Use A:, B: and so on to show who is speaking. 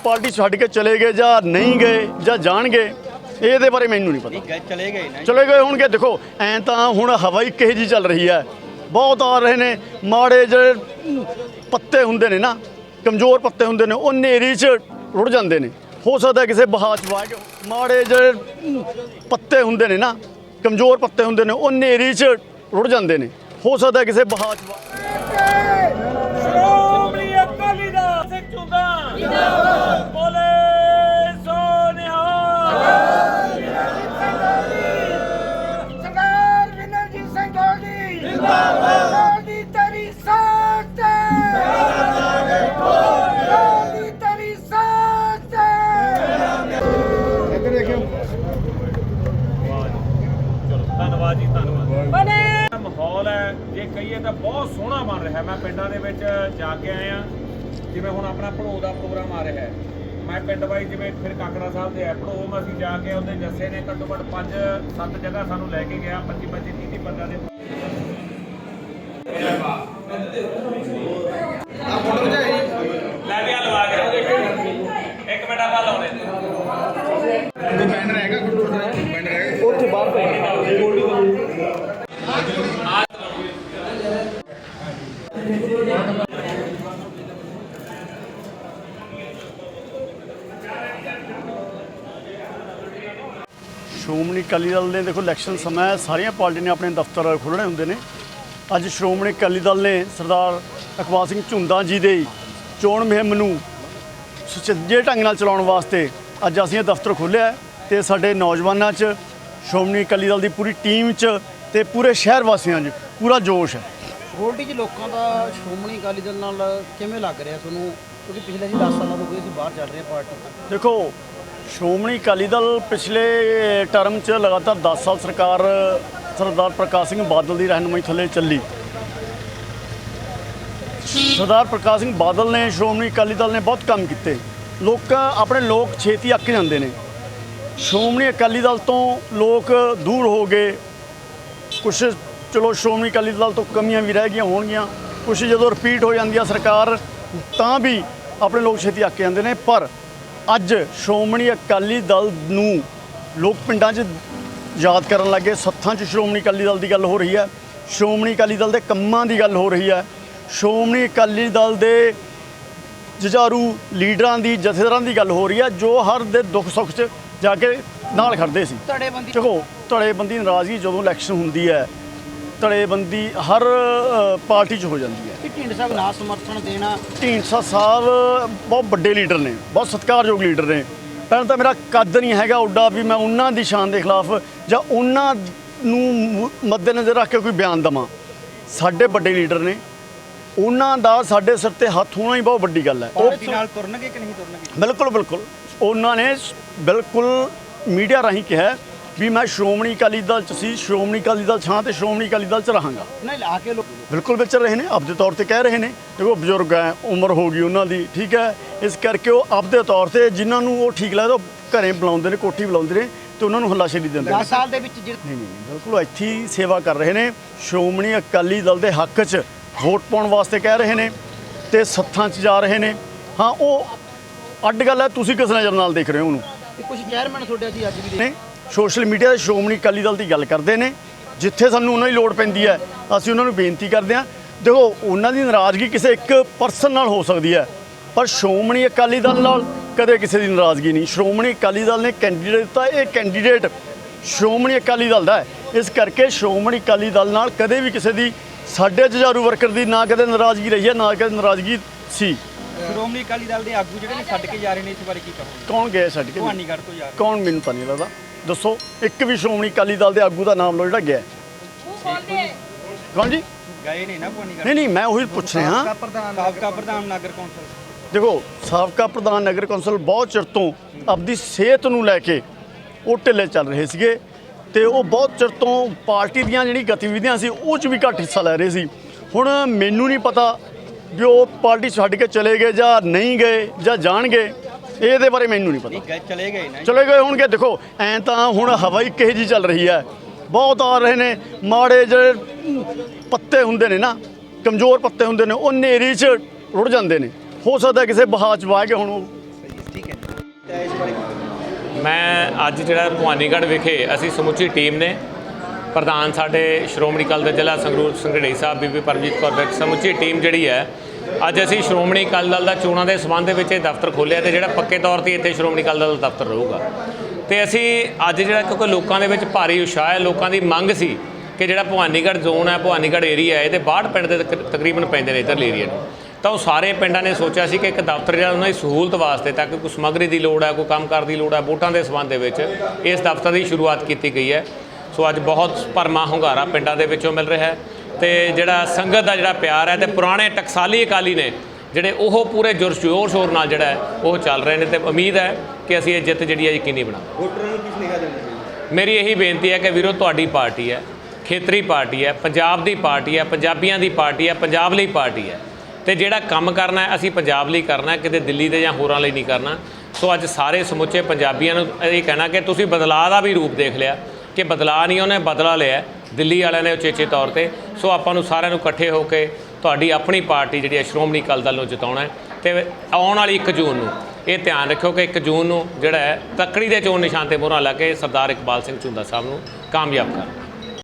A: Party छड्ड के चले गए या नहीं गए या जाणगे ये बारे मैनू नहीं पता। चले गए होणगे। देखो ऐ तां हुण हवा ही किहो जी चल रही है, बहुत आ रहे ने माड़े ਜਿਹੜੇ पत्ते हुंदे ने ना, कमज़ोर पत्ते हुंदे ने, ਉਹ ਹਨੇਰੀ 'ਚ रुड़ जाते हैं। हो सकता है किसी बहा च वाह के माड़े ਜਿਹੜੇ पत्ते हुंदे ने ना, कमज़ोर पत्ते हुंदे ने, ਉਹ ਹਨੇਰੀ 'ਚ रुड़ जाते हैं। हो सकता है किसी बहा च
B: ਧੰਨਵਾਦ ਜੀ, ਧੰਨਵਾਦ। ਮਾਹੌਲ ਹੈ ਜੇ ਕਹੀਏ ਤਾਂ ਬਹੁਤ ਸੋਹਣਾ ਬਣ ਰਿਹਾ। ਮੈਂ ਪਿੰਡਾਂ ਦੇ ਵਿੱਚ ਜਾ ਕੇ ਆਇਆ, ਜਿਵੇਂ ਹੁਣ ਆਪਣਾ ਭੜੋ ਦਾ ਪ੍ਰੋਗਰਾਮ ਆ ਰਿਹਾ ਹੈ। ਮੈਂ ਪਿੰਡ ਵਾਈ ਜਿਵੇਂ ਫਿਰ ਕਾਕੜਾ ਸਾਹਿਬ ਦੇ ਭੜੋ ਮੈਂ ਅਸੀਂ ਜਾ ਕੇ ਉਹਦੇ ਜੱਸੇ ਨੇ ਘੱਟੋ ਘੱਟ 5-7 ਜਗ੍ਹਾ ਸਾਨੂੰ ਲੈ ਕੇ ਗਿਆ, 25-30 ਬੰਦਿਆਂ ਦੇ। ਲੈ ਵੀ ਲਵਾ ਕੇ ਇੱਕ ਮਿੰਟ ਆਪਾਂ ਲਾਉਣੇ
C: ਬੈਨਰ ਹੈਗਾ, ਬੈਨਰ ਹੈਗਾ
A: ਉੱਥੇ ਬਾਹਰ ਪਏ ਸ਼੍ਰੋਮਣੀ ਅਕਾਲੀ ਦਲ ਨੇ ਦੇਖੋ ਇਲੈਕਸ਼ਨ ਸਮਾਂ ਸਾਰੀਆਂ ਪਾਰਟੀ ਨੇ ਆਪਣੇ ਦਫ਼ਤਰ ਖੋਲ੍ਹਣੇ ਹੁੰਦੇ ਨੇ। ਅੱਜ ਸ਼੍ਰੋਮਣੀ ਅਕਾਲੀ ਦਲ ਨੇ ਸਰਦਾਰ ਇਕਬਾਲ ਸਿੰਘ ਝੁੰਦਾ ਜੀ ਦੇ ਚੋਣ ਮੁਹਿੰਮ ਨੂੰ ਸੁਚੱਜੇ ਢੰਗ ਨਾਲ ਚਲਾਉਣ ਵਾਸਤੇ ਅੱਜ ਅਸੀਂ ਇਹ ਦਫ਼ਤਰ ਖੋਲ੍ਹਿਆ ਤੇ ਸਾਡੇ ਨੌਜਵਾਨਾਂ 'ਚ ਸ਼੍ਰੋਮਣੀ ਅਕਾਲੀ ਦਲ ਦੀ ਪੂਰੀ ਟੀਮ 'ਚ ਤੇ ਪੂਰੇ ਸ਼ਹਿਰ ਵਾਸੀਆਂ 'ਚ ਪੂਰਾ ਜੋਸ਼ ਹੈ।
D: ਗੋਲਡੀ ਜੀ ਲੋਕਾਂ ਦਾ ਸ਼੍ਰੋਮਣੀ ਅਕਾਲੀ ਦਲ ਨਾਲ ਕਿਵੇਂ ਲੱਗ ਰਿਹਾ ਤੁਹਾਨੂੰ, ਕਿਉਂਕਿ ਪਿਛਲੇ ਅਸੀਂ 10 ਸਾਲਾਂ ਤੋਂ ਕੋਈ ਅਸੀਂ ਬਾਹਰ ਚੱਲ ਰਹੇ ਪਾਰਟੀ।
A: ਦੇਖੋ ਸ਼੍ਰੋਮਣੀ ਅਕਾਲੀ ਦਲ ਪਿਛਲੇ ਟਰਮ 'ਚ ਲਗਾਤਾਰ 10 ਸਾਲ ਸਰਕਾਰ ਸਰਦਾਰ ਪ੍ਰਕਾਸ਼ ਸਿੰਘ ਬਾਦਲ ਦੀ ਰਹਿਨੁਮਾਈ ਥੱਲੇ ਚੱਲੀ। ਸਰਦਾਰ ਪ੍ਰਕਾਸ਼ ਸਿੰਘ ਬਾਦਲ ਨੇ ਸ਼੍ਰੋਮਣੀ ਅਕਾਲੀ ਦਲ ਨੇ ਬਹੁਤ ਕੰਮ ਕੀਤੇ। ਆਪਣੇ ਲੋਕ ਛੇਤੀ ਅੱਕ ਜਾਂਦੇ ਨੇ। ਸ਼੍ਰੋਮਣੀ ਅਕਾਲੀ ਦਲ ਤੋਂ ਲੋਕ ਦੂਰ ਹੋ ਗਏ। ਕੁਛ ਚਲੋ ਸ਼੍ਰੋਮਣੀ ਅਕਾਲੀ ਦਲ ਤੋਂ ਕਮੀਆਂ ਵੀ ਰਹਿ ਗਈਆਂ ਹੋਣਗੀਆਂ, ਕੁਛ ਜਦੋਂ ਰਿਪੀਟ ਹੋ ਜਾਂਦੀ ਆ ਸਰਕਾਰ ਤਾਂ ਵੀ ਆਪਣੇ ਲੋਕ ਛੇਤੀ ਅੱਕ ਜਾਂਦੇ ਨੇ। ਪਰ ਅੱਜ ਸ਼੍ਰੋਮਣੀ ਅਕਾਲੀ ਦਲ ਨੂੰ ਲੋਕ ਪਿੰਡਾਂ 'ਚ ਯਾਦ ਕਰਨ ਲੱਗੇ। ਸੱਥਾਂ 'ਚ ਸ਼੍ਰੋਮਣੀ ਅਕਾਲੀ ਦਲ ਦੀ ਗੱਲ ਹੋ ਰਹੀ ਹੈ, ਸ਼੍ਰੋਮਣੀ ਅਕਾਲੀ ਦਲ ਦੇ ਕੰਮਾਂ ਦੀ ਗੱਲ ਹੋ ਰਹੀ ਹੈ, ਸ਼੍ਰੋਮਣੀ ਅਕਾਲੀ ਦਲ ਦੇ ਜੁਝਾਰੂ ਲੀਡਰਾਂ ਦੀ ਜਥੇਦਾਰਾਂ ਦੀ ਗੱਲ ਹੋ ਰਹੀ ਹੈ ਜੋ ਹਰ ਦੇ ਦੁੱਖ ਸੁੱਖ 'ਚ ਜਾ ਕੇ ਨਾਲ ਖੜਦੇ ਸੀ। ਦੇਖੋ ਧੜੇਬੰਦੀ ਨਾਰਾਜ਼ਗੀ ਜਦੋਂ ਇਲੈਕਸ਼ਨ ਹੁੰਦੀ ਹੈ ਧੜੇਬੰਦੀ ਹਰ ਪਾਰਟੀ 'ਚ ਹੋ ਜਾਂਦੀ ਹੈ।
D: ਢੀਂਡਸਾ ਸਾਹਿਬ ਨਾ ਸਮਰਥਨ ਦੇਣਾ,
A: ਢੀਂਡਸਾ ਸਾਹਿਬ ਬਹੁਤ ਵੱਡੇ ਲੀਡਰ ਨੇ, ਬਹੁਤ ਸਤਿਕਾਰਯੋਗ ਲੀਡਰ ਨੇ। ਪਹਿਲਾਂ ਤਾਂ ਮੇਰਾ ਕੱਦ ਨਹੀਂ ਹੈਗਾ ਉੱਡਾ ਵੀ ਮੈਂ ਉਹਨਾਂ ਦੀ ਸ਼ਾਨ ਦੇ ਖਿਲਾਫ ਜਾਂ ਉਹਨਾਂ ਨੂੰ ਮੱਦੇਨਜ਼ਰ ਰੱਖ ਕੇ ਕੋਈ ਬਿਆਨ ਦੇਵਾਂ। ਸਾਡੇ ਵੱਡੇ ਲੀਡਰ ਨੇ, ਉਹਨਾਂ ਦਾ ਸਾਡੇ ਸਿਰ ਤੇ ਹੱਥ ਹੋਣਾ ਹੀ ਬਹੁਤ ਵੱਡੀ ਗੱਲ ਹੈ।
D: ਉਹ ਨਾਲ ਤੁਰਨਗੇ ਕਿ ਨਹੀਂ ਤੁਰਨਗੇ?
A: ਬਿਲਕੁਲ ਬਿਲਕੁਲ ਉਹਨਾਂ ਨੇ ਬਿਲਕੁਲ ਮੀਡੀਆ ਰਾਹੀਂ ਕਿਹਾ ਵੀ ਮੈਂ ਸ਼੍ਰੋਮਣੀ ਅਕਾਲੀ ਦਲ 'ਚ ਸੀ, ਸ਼੍ਰੋਮਣੀ ਅਕਾਲੀ ਦਲ ਛਾਂ ਤੇ ਸ਼੍ਰੋਮਣੀ ਅਕਾਲੀ ਦਲ 'ਚ ਰਹਾਂਗਾ।
D: ਨਹੀਂ ਲਾ ਕੇ ਲੋਕ
A: ਬਿਲਕੁਲ ਵਿਚਰ ਰਹੇ ਨੇ, ਆਪਦੇ ਤੌਰ ਤੇ ਕਹਿ ਰਹੇ ਨੇ। ਦੇਖੋ ਬਜ਼ੁਰਗ ਹੈ, ਉਮਰ ਹੋ ਗਈ ਉਹਨਾਂ ਦੀ, ਠੀਕ ਹੈ, ਇਸ ਕਰਕੇ ਉਹ ਆਪਦੇ ਤੌਰ ਤੇ ਜਿਨ੍ਹਾਂ ਨੂੰ ਉਹ ਠੀਕ ਲੱਗਦਾ ਉਹ ਘਰੇ ਬੁਲਾਉਂਦੇ ਨੇ, ਕੋਠੀ ਬੁਲਾਉਂਦੇ ਨੇ ਤੇ ਉਹਨਾਂ ਨੂੰ ਹੱਲਾਸ਼ੇਰੀ ਦਿੰਦੇ ਨੇ।
D: 10 ਸਾਲ ਦੇ ਵਿੱਚ
A: ਨਹੀਂ ਬਿਲਕੁਲ ਇੱਥੇ ਹੀ ਸੇਵਾ ਕਰ ਰਹੇ ਨੇ। ਸ਼੍ਰੋਮਣੀ ਅਕਾਲੀ ਦਲ ਦੇ ਹੱਕ 'ਚ ਵੋਟ ਪਾਉਣ ਵਾਸਤੇ ਕਹਿ ਰਹੇ ਨੇ ਤੇ ਸੱਥਾਂ 'ਚ ਜਾ ਰਹੇ ਨੇ। ਹਾਂ ਉਹ ਅੱਡ ਗੱਲ ਹੈ, ਤੁਸੀਂ ਕਿਸ ਨਜ਼ਰ ਨਾਲ ਦੇਖ ਰਹੇ ਹੋ ਉਹਨੂੰ?
D: ਕੁਝ ਚੇਅਰਮੈਨ ਤੁਹਾਡੇ ਅਸੀਂ ਅੱਜ ਵੀ
A: ਨੇ ਸੋਸ਼ਲ ਮੀਡੀਆ 'ਤੇ ਸ਼੍ਰੋਮਣੀ ਅਕਾਲੀ ਦਲ ਦੀ ਗੱਲ ਕਰਦੇ ਨੇ। ਜਿੱਥੇ ਸਾਨੂੰ ਉਹਨਾਂ ਦੀ ਲੋੜ ਪੈਂਦੀ ਹੈ ਅਸੀਂ ਉਹਨਾਂ ਨੂੰ ਬੇਨਤੀ ਕਰਦੇ ਹਾਂ। ਦੇਖੋ ਉਹਨਾਂ ਦੀ ਨਾਰਾਜ਼ਗੀ ਕਿਸੇ ਇੱਕ ਪਰਸਨ ਨਾਲ ਹੋ ਸਕਦੀ ਹੈ ਪਰ ਸ਼੍ਰੋਮਣੀ ਅਕਾਲੀ ਦਲ ਨਾਲ ਕਦੇ ਕਿਸੇ ਦੀ ਨਾਰਾਜ਼ਗੀ ਨਹੀਂ। ਸ਼੍ਰੋਮਣੀ ਅਕਾਲੀ ਦਲ ਨੇ ਕੈਂਡੀਡੇਟ ਦਿੱਤਾ, ਇਹ ਕੈਂਡੀਡੇਟ ਸ਼੍ਰੋਮਣੀ ਅਕਾਲੀ ਦਲ ਦਾ ਹੈ। ਇਸ ਕਰਕੇ ਸ਼੍ਰੋਮਣੀ ਅਕਾਲੀ ਦਲ ਨਾਲ ਕਦੇ ਵੀ ਕਿਸੇ ਦੀ ਸਾਡੇ ਜੁਝਾਰੂ ਵਰਕਰ ਦੀ ਨਾ ਕਦੇ ਨਾਰਾਜ਼ਗੀ ਰਹੀ ਹੈ ਨਾ ਕਦੇ ਨਾਰਾਜ਼ਗੀ ਸੀ।
D: ਸ਼੍ਰੋਮਣੀ ਅਕਾਲੀ ਦਲ ਦੇ ਆਗੂ ਜਿਹੜੇ ਨੇ ਛੱਡ ਕੇ ਜਾ ਰਹੇ ਨੇ, ਇਸ ਬਾਰੇ ਕੀ ਕਹੋਗੇ?
A: ਕੌਣ ਗਏ ਛੱਡ ਕੇ?
D: ਭਵਾਨੀਗੜ੍ਹ ਤੋਂ ਜਾ ਰਹੇ
A: ਕੌਣ? ਮੈਨੂੰ ਤਾਂ ਨਹੀਂ ਲੱਗਦਾ। ਦੱਸੋ ਇੱਕ ਵੀ ਸ਼੍ਰੋਮਣੀ ਅਕਾਲੀ ਦਲ ਦੇ ਆਗੂ ਦਾ ਨਾਮ ਲਓ ਜਿਹੜਾ ਗਿਆ। ਕੌਣ ਜੀ?
D: ਗਏ ਨੇ ਨਾ ਭਵਾਨੀਗੜ੍ਹ?
A: ਨਹੀਂ ਮੈਂ ਉਹੀ ਪੁੱਛ ਰਿਹਾ।
D: ਸਾਬਕਾ ਪ੍ਰਧਾਨ ਨਗਰ ਕੌਂਸਲ।
A: ਦੇਖੋ ਸਾਬਕਾ ਪ੍ਰਧਾਨ ਨਗਰ ਕੌਂਸਲ ਬਹੁਤ ਚਿਰ ਤੋਂ ਆਪਣੀ ਸਿਹਤ ਨੂੰ ਲੈ ਕੇ ਉਹ ਢਿੱਲੇ ਚੱਲ ਰਹੇ ਸੀਗੇ ਤੇ ਉਹ ਬਹੁਤ ਚਿਰ ਤੋਂ ਪਾਰਟੀ ਦੀਆਂ ਜਿਹੜੀ ਗਤੀਵਿਧੀਆਂ ਸੀ ਉਹ 'ਚ ਵੀ ਘੱਟ ਹਿੱਸਾ ਲੈ ਰਹੇ ਸੀ। ਹੁਣ ਮੈਨੂੰ ਨਹੀਂ ਪਤਾ ਵੀ ਉਹ ਪਾਰਟੀ ਛੱਡ ਕੇ ਚਲੇ ਗਏ ਜਾਂ ਨਹੀਂ ਗਏ ਜਾਂ ਜਾਣਗੇ, ਇਹਦੇ ਬਾਰੇ ਮੈਨੂੰ ਨਹੀਂ ਪਤਾ।
D: ਚਲੇ ਗਏ ਨਾ,
A: ਚਲੇ ਗਏ ਹੋਣਗੇ। ਦੇਖੋ ਐਂ ਤਾਂ ਹੁਣ ਹਵਾ ਹੀ ਕਿਹੋ ਜਿਹੀ ਚੱਲ ਰਹੀ ਹੈ, ਬਹੁਤ ਆ ਰਹੇ ਨੇ ਮਾੜੇ ਜਿਹੜੇ ਪੱਤੇ ਹੁੰਦੇ ਨੇ ਨਾ, ਕਮਜ਼ੋਰ ਪੱਤੇ ਹੁੰਦੇ ਨੇ, ਉਹ ਹਨੇਰੀ 'ਚ ਰੁੜ ਜਾਂਦੇ ਨੇ। ਹੋ ਸਕਦਾ ਕਿਸੇ ਬਹਾ 'ਚ ਵਾਹ ਕੇ ਹੁਣ ਉਹ
E: ਮੈਂ ਅੱਜ ਜਿਹੜਾ ਭਵਾਨੀਗੜ੍ਹ ਵਿਖੇ ਅਸੀਂ ਸਮੁੱਚੀ ਟੀਮ ਨੇ ਪ੍ਰਧਾਨ ਸਾਡੇ ਸ਼੍ਰੋਮਣੀ ਅਕਾਲੀ ਦਲ ਜ਼ਿਲ੍ਹਾ ਸੰਗਰੂਰ ਸੰਘਰੇੜੀ ਸਾਹਿਬ ਬੀਬੀ ਪਰਮਜੀਤ ਕੌਰ ਵਿੱਚ ਸਮੁੱਚੀ ਟੀਮ ਜਿਹੜੀ ਹੈ ਅੱਜ ਅਸੀਂ ਸ਼੍ਰੋਮਣੀ ਅਕਾਲੀ ਦਲ ਦਾ ਚੋਣਾਂ ਦੇ ਸੰਬੰਧ ਦੇ ਵਿੱਚ ਇਹ ਦਫ਼ਤਰ ਖੋਲ੍ਹਿਆ ਤੇ ਜਿਹੜਾ ਪੱਕੇ ਤੌਰ ਤੇ ਇੱਥੇ ਸ਼੍ਰੋਮਣੀ ਅਕਾਲੀ ਦਲ ਦਾ ਦਫ਼ਤਰ ਰਹੂਗਾ। ਤੇ ਅਸੀਂ ਅੱਜ ਜਿਹੜਾ ਕਿਉਂਕਿ ਲੋਕਾਂ ਦੇ ਵਿੱਚ ਭਾਰੀ ਉਤਸ਼ਾਹ ਹੈ, ਲੋਕਾਂ ਦੀ ਮੰਗ ਸੀ ਕਿ ਜਿਹੜਾ ਭਵਾਨੀਗੜ੍ਹ ਜ਼ੋਨ ਹੈ, ਭਵਾਨੀਗੜ੍ਹ ਏਰੀਆ ਹੈ, ਇਹਦੇ 62 ਪਿੰਡ ਦੇ ਤਕਰੀਬਨ ਪੈਂਦੇ ਨੇ ਇੱਧਰਲੇ ਏਰੀਆ ਨੂੰ। ਤਾਂ ਉਹ ਸਾਰੇ ਪਿੰਡਾਂ ਨੇ ਸੋਚਿਆ ਸੀ ਕਿ ਇੱਕ ਦਫ਼ਤਰ ਜਿਹੜਾ ਉਹਨਾਂ ਦੀ ਸਹੂਲਤ ਵਾਸਤੇ ਤਾਂ ਕਿ ਕੋਈ ਸਮੱਗਰੀ ਦੀ ਲੋੜ ਹੈ, ਕੋਈ ਕੰਮਕਾਰ ਦੀ ਲੋੜ ਹੈ, ਵੋਟਾਂ ਦੇ ਸੰਬੰਧ ਦੇ ਵਿੱਚ ਇਸ ਦਫ਼ਤਰ ਦੀ ਸ਼ੁਰੂਆਤ ਕੀਤੀ ਗਈ ਹੈ। ਸੋ ਅੱਜ ਬਹੁਤ ਭਰਮਾ ਹੁੰਗਾਰਾ ਪਿੰਡਾਂ ਦੇ ਵਿੱਚੋਂ ਮਿਲ ਰਿਹਾ ਹੈ ਤੇ ਜਿਹੜਾ ਸੰਗਤ ਦਾ ਜਿਹੜਾ ਪਿਆਰ ਹੈ ਤੇ ਪੁਰਾਣੇ ਟਕਸਾਲੀ ਅਕਾਲੀ ਨੇ ਜਿਹੜੇ ਉਹ ਪੂਰੇ ਜ਼ੋਰ ਸ਼ੋਰ ਨਾਲ ਜਿਹੜਾ ਹੈ ਉਹ ਚੱਲ ਰਹੇ ਨੇ ਤੇ ਉਮੀਦ ਹੈ ਕਿ ਅਸੀਂ ਇਹ ਜਿੱਤ ਜਿਹੜੀ ਹੈ ਯਕੀਨੀ ਬਣਾਵਾਂਗੇ।
C: ਵੋਟਰਾਂ ਨੂੰ ਕੀ ਸੁਨੇਹਾ ਦੇਣਾ ਚਾਹੀਦਾ?
E: ਮੇਰੀ ਇਹੀ ਬੇਨਤੀ ਹੈ ਕਿ ਵੀਰੋ ਤੁਹਾਡੀ ਪਾਰਟੀ ਹੈ, ਖੇਤਰੀ ਪਾਰਟੀ ਹੈ, ਪੰਜਾਬ ਦੀ ਪਾਰਟੀ ਹੈ, ਪੰਜਾਬੀਆਂ ਦੀ ਪਾਰਟੀ ਹੈ, ਪੰਜਾਬ ਲਈ ਪਾਰਟੀ ਹੈ ਤੇ ਜਿਹੜਾ ਕੰਮ ਕਰਨਾ ਹੈ ਅਸੀਂ ਪੰਜਾਬ ਲਈ ਕਰਨਾ ਹੈ, ਕਿਤੇ ਦਿੱਲੀ ਦੇ ਜਾਂ ਹੋਰਾਂ ਲਈ ਨਹੀਂ ਕਰਨਾ। ਸੋ ਅੱਜ ਸਾਰੇ ਸਮੁੱਚੇ ਪੰਜਾਬੀਆਂ ਨੂੰ ਇਹ ਕਹਿਣਾ ਕਿ ਤੁਸੀਂ ਬਦਲਾਅ ਦਾ ਵੀ ਰੂਪ ਦੇਖ ਲਿਆ ਕਿ ਬਦਲਾਅ ਨਹੀਂ ਉਹਨੇ ਬਦਲਾ ਲਿਆ ਦਿੱਲੀ ਵਾਲਿਆਂ ਨੇ ਉਚੇਚੇ ਤੌਰ ਤੇ। ਸੋ ਆਪਾਂ ਨੂੰ ਸਾਰਿਆਂ ਨੂੰ ਇਕੱਠੇ ਹੋ ਕੇ ਤੁਹਾਡੀ ਆਪਣੀ ਪਾਰਟੀ ਜਿਹੜੀ ਹੈ ਸ਼੍ਰੋਮਣੀ ਅਕਾਲੀ ਦਲ ਨੂੰ ਜਿਤਾਉਣਾ ਹੈ ਤੇ ਆਉਣ ਵਾਲੀ 1 ਜੂਨ ਨੂੰ ਇਹ ਧਿਆਨ ਰੱਖਿਓ ਕਿ 1 ਜੂਨ ਨੂੰ ਜਿਹੜਾ ਹੈ ਤੱਕੜੀ ਦੇ ਚੋਣ ਨਿਸ਼ਾਨ ਤੇ ਮੋਹਰਾਂ ਲਾ ਕੇ ਸਰਦਾਰ ਇਕਬਾਲ ਸਿੰਘ ਝੁੰਦਾ ਸਾਹਿਬ ਨੂੰ ਕਾਮਯਾਬ ਕਰਨਾ।